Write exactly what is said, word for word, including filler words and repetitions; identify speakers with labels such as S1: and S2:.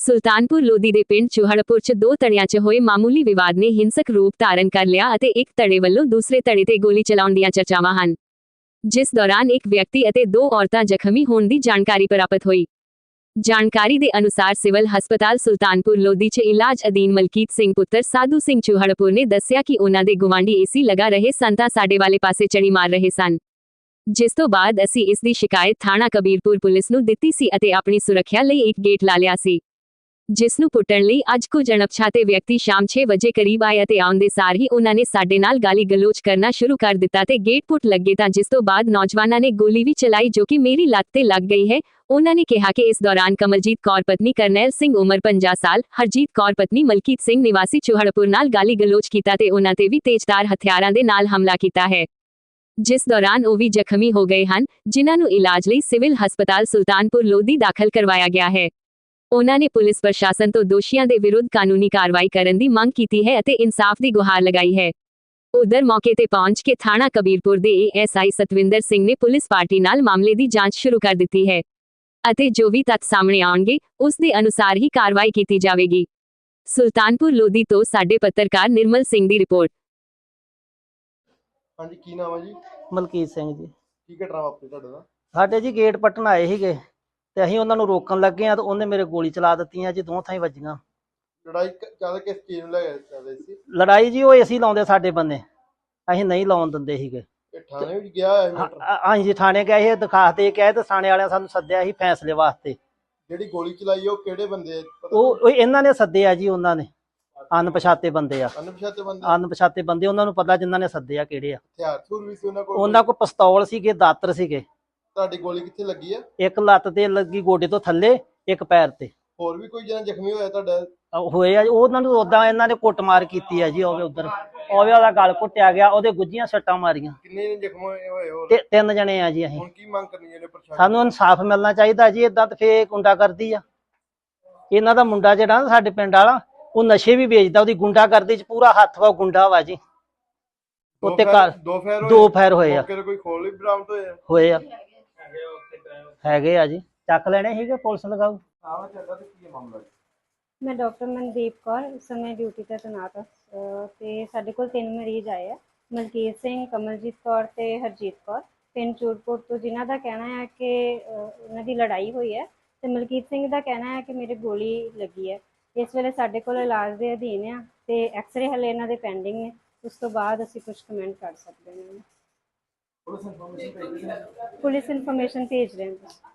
S1: ਸੁਲਤਾਨਪੁਰ ਲੋਧੀ ਦੇ ਪਿੰਡ ਚੂਹੜਪੁਰ 'ਚ ਦੋ ਧੜਿਆਂ 'ਚ ਹੋਏ ਮਾਮੂਲੀ ਵਿਵਾਦ ਨੇ ਹਿੰਸਕ ਰੂਪ ਧਾਰਨ ਕਰ ਲਿਆ ਅਤੇ ਇੱਕ ਧੜੇ ਵੱਲੋਂ ਦੂਸਰੇ ਧੜੇ ਤੇ ਗੋਲੀ ਚਲਾਉਣ ਦੀਆਂ ਚਰਚਾਵਾਂ ਹਨ, ਜਿਸ ਦੌਰਾਨ ਇੱਕ ਵਿਅਕਤੀ ਅਤੇ ਦੋ ਔਰਤਾਂ ਜ਼ਖਮੀ ਹੋਣ ਦੀ ਜਾਣਕਾਰੀ ਪ੍ਰਾਪਤ ਹੋਈ। ਜਾਣਕਾਰੀ ਦੇ ਅਨੁਸਾਰ ਸਿਵਲ ਹਸਪਤਾਲ ਸੁਲਤਾਨਪੁਰ ਲੋਧੀ 'ਚ ਇਲਾਜ ਅਧੀਨ ਮਲਕੀਤ ਸਿੰਘ ਪੁੱਤਰ ਸਾਧੂ ਸਿੰਘ ਚੂਹੜਪੁਰ ਨੇ ਦੱਸਿਆ ਕਿ ਉਹਨਾਂ ਦੇ ਗੁਆਂਢੀ ਏਸੀ ਲਗਾ ਰਹੇ ਸਨ ਤਾਂ ਸਾਡੇ ਵਾਲੇ ਪਾਸੇ ਚੜੀ ਮਾਰ ਰਹੇ ਸਨ, ਜਿਸ ਤੋਂ ਬਾਅਦ ਅਸੀਂ ਇਸ ਦੀ ਸ਼ਿਕਾਇਤ ਥਾਣਾ ਕਬੀਰਪੁਰ ਪੁਲਿਸ ਨੂੰ ਦਿੱਤੀ ਸੀ ਅਤੇ ਆਪਣੀ ਸੁਰੱਖਿਆ ਲਈ ਇੱਕ ਗੇਟ ਲਾ ਲਿਆ ਸੀ, ਜਿਸ ਨੂੰ ਪੁੱਟਣ ਲਈ ਅੱਜ ਕੁਝ ਅਣਪਛਾਤੇ ਵਿਅਕਤੀ ਸ਼ਾਮ ਛੇ ਵਜੇ ਕਰੀਬ ਆਏ ਅਤੇ ਆਉਂਦੇ ਸਾਰ ਹੀ ਉਹਨਾਂ ਨੇ ਸਾਡੇ ਨਾਲ ਗਾਲੀ ਗਲੋਚ ਕਰਨਾ ਸ਼ੁਰੂ ਕਰ ਦਿੱਤਾ ਤੇ ਗੇਟ ਪੁੱਟ ਲੱਗੇ ਤਾਂ ਜਿਸ ਤੋਂ ਬਾਅਦ ਨੌਜਵਾਨਾਂ ਨੇ ਗੋਲੀ ਵੀ ਚਲਾਈ ਜੋ ਕਿ ਮੇਰੀ ਲੱਤ ਤੇ ਲੱਗ ਗਈ ਹੈ। ਉਹਨਾਂ ਨੇ ਕਿਹਾ ਕਿ ਇਸ ਦੌਰਾਨ ਕਮਲਜੀਤ ਕੌਰ ਪਤਨੀ ਕਰਨੈਲ ਸਿੰਘ ਉਮਰ ਪੰਜਾਹ ਸਾਲ, ਹਰਜੀਤ ਕੌਰ ਪਤਨੀ ਮਲਕੀਤ ਸਿੰਘ ਨਿਵਾਸੀ ਚੂਹੜਪੁਰ ਨਾਲ ਗਾਲੀ ਗਲੋਚ ਕੀਤਾ ਤੇ ਉਹਨਾਂ ਤੇ ਵੀ ਤੇਜ਼ਧਾਰ ਹਥਿਆਰਾਂ ਦੇ ਨਾਲ ਹਮਲਾ ਕੀਤਾ ਹੈ, ਜਿਸ ਦੌਰਾਨ ਉਹ ਵੀ ਜ਼ਖਮੀ ਹੋ ਗਏ ਹਨ, ਜਿਨ੍ਹਾਂ ਨੂੰ ਇਲਾਜ ਲਈ ਸਿਵਲ ਹਸਪਤਾਲ ਸੁਲਤਾਨਪੁਰ ਲੋਧੀ ਦਾਖਲ ਕਰਵਾਇਆ ਗਿਆ ਹੈ। ਉਹਨਾਂ ਨੇ ਪੁਲਿਸ ਪ੍ਰਸ਼ਾਸਨ ਤੋਂ ਦੋਸ਼ੀਆਂ ਦੇ ਵਿਰੁੱਧ ਕਾਨੂੰਨੀ ਕਾਰਵਾਈ ਕਰਨ ਦੀ ਮੰਗ ਕੀਤੀ ਹੈ ਅਤੇ ਇਨਸਾਫ ਦੀ ਗੁਹਾਰ ਲਗਾਈ ਹੈ। ਉਧਰ ਮੌਕੇ ਤੇ ਪਹੁੰਚ ਕੇ ਥਾਣਾ ਕਬੀਰਪੁਰ ਦੇ A S I Satwinder Singh ਨੇ ਪੁਲਿਸ ਪਾਰਟੀ ਨਾਲ ਮਾਮਲੇ ਦੀ ਜਾਂਚ ਸ਼ੁਰੂ ਕਰ ਦਿੱਤੀ ਹੈ ਅਤੇ ਜੋ ਵੀ ਤੱਥ ਸਾਹਮਣੇ ਆਉਣਗੇ ਉਸ ਦੇ ਅਨੁਸਾਰ ਹੀ ਕਾਰਵਾਈ ਕੀਤੀ ਜਾਵੇਗੀ। ਸੁਲਤਾਨਪੁਰ ਲੋਧੀ ਤੋਂ ਸਾਡੇ ਪੱਤਰਕਾਰ ਨਿਰਮਲ ਸਿੰਘ ਦੀ ਰਿਪੋਰਟ।
S2: ਹਾਂਜੀ, ਕੀ ਨਾਮ ਹੈ ਜੀ?
S3: ਮਲਕੀਤ ਸਿੰਘ ਜੀ।
S2: ਕੀ ਘਟਨਾ ਵਾਪਰੀ ਤੁਹਾਡੇ ਨਾਲ?
S3: ਸਾਡੇ ਜੀ ਗੇਟ ਪੱਟਣ ਆਏ ਸੀਗੇ ਤੇ ਅਸੀਂ ਉਹਨਾਂ ਨੂੰ ਰੋਕਣ ਲੱਗੇ ਆ ਤੇ ਉਹਨੇ ਮੇਰੇ ਗੋਲੀ ਚਲਾ ਦਿੱਤੀਆਂ ਜੀ, ਦੋ ਥਾਈਂ ਵੱਜੀਆਂ।
S2: ਲੜਾਈ ਜ਼ਿਆਦਾ ਕਿਸ ਚੀਜ਼ ਨੂੰ ਲੈ ਕੇ ਚੱਲਦੇ ਸੀ?
S3: ਲੜਾਈ ਜੀ ਉਹ ਏਸੀ ਲਾਉਂਦੇ ਸਾਡੇ ਬੰਨੇ, ਅਸੀਂ ਨਹੀਂ ਲਾਉਣ ਦਿੰਦੇ ਸੀਗੇ।
S2: ਇਹ ਥਾਣੇ ਵਿੱਚ ਗਿਆ ਹੋਇਆ ਮੈਟਰ?
S3: ਹਾਂਜੀ ਜੀ, ਥਾਣੇ ਗਏ ਸੀ, ਦਿਖਾ ਦੇ ਕੇ ਆਏ ਤੇ ਥਾਣੇ ਵਾਲਿਆਂ ਸਾਨੂੰ ਸੱਦਿਆ ਸੀ ਫੈਸਲੇ ਵਾਸਤੇ।
S2: ਜਿਹੜੀ ਗੋਲੀ ਚਲਾਈ ਉਹ ਕਿਹੜੇ ਬੰਦੇ?
S3: ਉਹ ਉਹ ਇਹਨਾਂ ਨੇ ਸੱਦਿਆ ਜੀ, ਉਹਨਾਂ ਨੇ ਅਣਪਛਾਤੇ ਬੰਦੇ ਆ।
S2: ਅਣਪਛਾਤੇ ਬੰਦੇ?
S3: ਅਣਪਛਾਤੇ ਬੰਦੇ, ਉਹਨਾਂ ਨੂੰ ਪਤਾ ਜਿਨ੍ਹਾਂ ਨੇ ਸੱਦਿਆ ਕਿਹੜੇ ਆ।
S2: ਹਥਿਆਰ ਥੂਰ ਵੀ ਸੀ ਉਹਨਾਂ ਕੋਲ?
S3: ਉਹਨਾਂ ਕੋਲ ਪਿਸਤੌਲ ਸੀਗੇ, ਦਾਤਰ ਸੀਗੇ।
S2: ਤੁਹਾਡੀ ਗੋਲੀ ਕਿੱਥੇ ਲੱਗੀ ਆ? ਇੱਕ
S3: ਲੱਤ ਤੇ ਲੱਗੀ, ਗੋਡੇ ਤੋਂ ਥੱਲੇ, ਇੱਕ ਪੈਰ ਤੇ।
S2: ਹੋਰ ਵੀ ਕੋਈ ਜਣਾ ਜ਼ਖਮੀ ਹੋਇਆ ਤੁਹਾਡਾ?
S3: ਹੋਏ ਆ, ਉਹਨਾਂ ਨੂੰ ਉਦਾਂ ਇਹਨਾਂ ਨੇ ਕੁੱਟਮਾਰ ਕੀਤੀ ਆ ਜੀ। ਉਹਦੇ ਉਧਰ ਉਹਦੇ ਉਹਦਾ ਗਲ ਘੁੱਟਿਆ ਗਿਆ, ਉਹਦੇ ਗੁੱਜੀਆਂ ਸੱਟਾਂ ਮਾਰੀਆਂ।
S2: ਕਿੰਨੇ ਨੇ ਜ਼ਖਮ ਹੋਏ ਹੋਰ?
S3: ਤੇ ਤਿੰਨ ਜਣੇ ਆ ਜੀ। ਅਸੀਂ
S2: ਹੁਣ ਕੀ ਮੰਗ ਕਰਨੀ ਜਿਹੜੇ ਪ੍ਰਸ਼ਾਸਨ?
S3: ਸਾਨੂੰ ਇਨਸਾਫ ਮਿਲਣਾ ਚਾਹੀਦਾ ਜੀ। ਇਦਾਂ ਤੇ ਫੇਰ ਗੁੰਡਾਗਰਦੀ ਆ। ਇਹਨਾਂ ਦਾ ਮੁੰਡਾ ਜਿਹੜਾ ਸਾਡੇ ਪਿੰਡ ਵਾਲਾ, ਉਹ ਨਸ਼ੇ ਵੀ ਵੇਚਦਾ, ਉਹਦੀ ਗੁੰਡਾਗਰਦੀ ਚ ਪੂਰਾ ਹੱਥ ਵਾ, ਗੁੰਡਾ ਵਾ ਜੀ। ਉੱਤੇ ਘਰ
S2: ਦੋ ਫਾਇਰ
S3: ਦੋ ਫਾਇਰ ਹੋਏ ਆ।
S2: ਕੋਈ ਖੋਲ ਵੀ ਬਰਾਮਦ ਹੋਏ ਆ?
S3: ਹੋਏ ਆ, ਹੈਗੇ ਆ ਜੀ। ਚੱਕ ਲੈਣੇ ਸੀਗੇ, ਪੁਲਿਸ ਲਗਾਊ।
S4: मैं डॉक्टर मनदीप कौर इस समय ड्यूटी पर तैनात हाँ ते साडे कोल तीन मरीज आए हैं, मलकीत सिंह, कमलजीत कौर ते हरजीत कौर, पिंड चूरपुर तो, जिन्हां दा कहना है कि उन्हां दी लड़ाई हुई है ते मलकीत सिंह दा कहना है कि मेरे गोली लगी है। इस वेले साडे कोल इलाज दे अधीन है ते एक्सरे हले इन्हां दे पेंडिंग ने, उस तो बाद असीं कुछ कमेंट कर सकदे हां। पुलिस इन्फॉर्मेशन भेज रहे हैं।